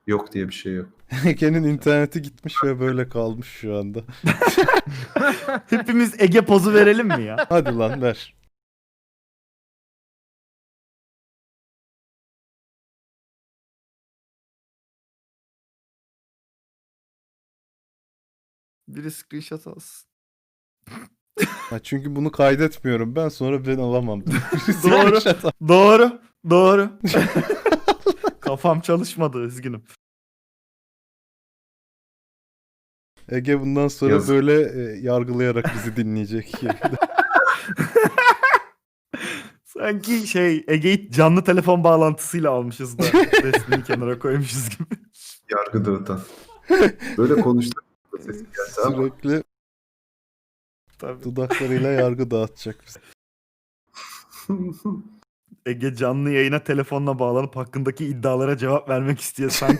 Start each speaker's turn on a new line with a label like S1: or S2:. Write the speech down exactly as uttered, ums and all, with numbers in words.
S1: Yok diye bir şey yok.
S2: Ege'nin interneti gitmiş ve böyle kalmış şu anda.
S3: Hepimiz Ege pozu verelim mi ya?
S2: Hadi lan ver.
S3: Biri screenshot alsın.
S2: Ha, çünkü bunu kaydetmiyorum. Ben sonra ben alamam.
S3: Doğru. Doğru. Doğru. Kafam çalışmadı, üzgünüm.
S2: Ege bundan sonra
S1: Yazık.
S2: böyle e, yargılayarak bizi dinleyecek.
S3: Sanki şey Ege'yi canlı telefon bağlantısıyla almışız da resmini kenara koymuşuz gibi.
S1: Yargı dağıtan. Böyle konuştuk. Sesi geldi ama.
S2: Sürekli
S3: Tabii.
S2: dudaklarıyla yargı dağıtacak bize.
S3: Ege canlı yayına telefonla bağlanıp hakkındaki iddialara cevap vermek istiyor. Sanki